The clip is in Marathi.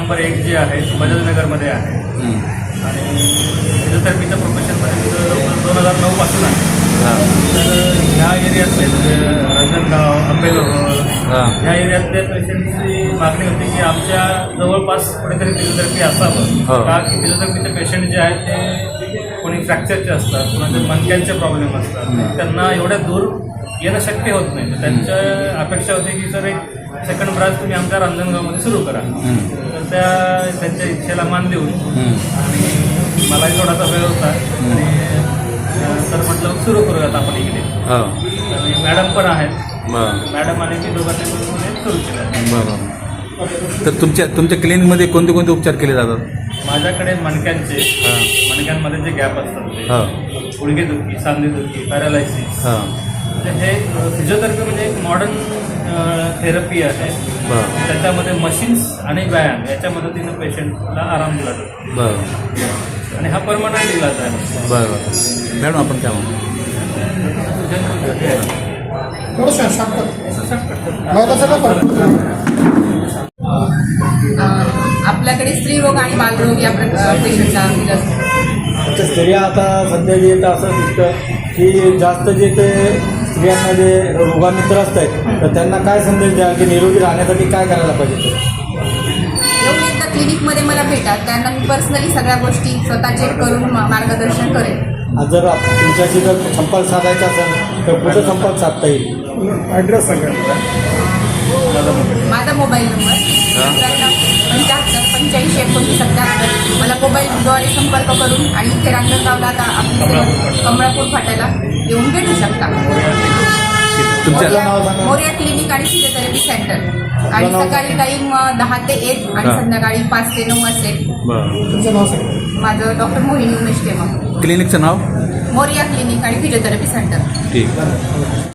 नंबर 1 जी आहे ती बजाजनगरमध्ये आहे आणि फिजिओथेरपीच्या प्रोफेशनमध्ये मी 2009 पासून आहे. तर ह्या एरियातले म्हणजे रांजणगाव, आंबेलोर ह्या एरियातल्या पेशंटची मागणी होती की आमच्या जवळपास कुठेतरी फिजिओथेरपी असावं का की फिजिओथेरपीचे पेशंट जे आहेत ते कोणी फ्रॅक्चरचे असतात, कोणाचे मणक्यांचे प्रॉब्लेम असतात, त्यांना एवढ्या दूर येणं शक्य होत नाही. तर त्यांच्या अपेक्षा होती की सर एक सेकंड ब्रांच तुम्ही आमच्या रांजणगावमध्ये सुरू करा. तर त्यांच्या इच्छेला मान देऊन आणि मलाही थोडासा वेळ होता आणि सर म्हटलं सुरू करूयात आपण इकडे. आणि मॅडम पण आहेत, मॅडम आणि मी दोघांनी सुरू केलं. बरोबर. तर तुमच्या क्लिनिकमध्ये कोणते कोणते उपचार केले जातात? माझ्याकडे मणक्यांमध्ये जे गॅप असतात ते, गुडघेदुखी, सांधेदुखी, पॅरालायसिस, हे फिजिओथेरपी म्हणजे एक मॉडर्न थेरपी आहे. त्याच्यामध्ये मशीन्स आणि व्यायाम याच्या मदतीनं पेशंटला आराम दिला जातो आणि हा परमनंट इलाज आहे. बरं मॅडम, आपण काय म्हणतो? आपल्याकडे स्त्रीरोग आणि बालरोग या पेशंटचा इलाज. अच्छा, स्त्रिया आता सध्या जे असं दिसतं की जास्त जे ते स्त्रियांना जे रोगांनी त्रस्त आहेत, तर त्यांना काय संदेश द्याल की निरोगी राहण्यासाठी काय करायला पाहिजे? येऊन एकदा क्लिनिकमध्ये मला भेटा, त्यांना मी पर्सनली सगळ्या गोष्टी स्वतः चेक करून मार्गदर्शन करेन. जर तुमच्याशी जर संपर्क साधायचा असेल तर कुठं संपर्क साधता येईल? ॲड्रेस सांगा. माझा मोबाईल नंबर 75 85 77. मला मोबाईलद्वारे संपर्क करून आणि इथे रांजणगावला आता आपल्या कमळापूर फाट्याला येऊन भेटू शकता. मोरिया क्लिनिक आणि फिजिओथेरपी सेंटर. आणि सकाळी टाईम 10 ते 1 आणि संध्याकाळी 5 ते 9 असेल. तुमचं नाव सांगा. माझं डॉक्टर मोहिनी उमेश केमा. क्लिनिकचं नाव? मोरिया क्लिनिक आणि फिजिओथेरपी सेंटर. ठीक.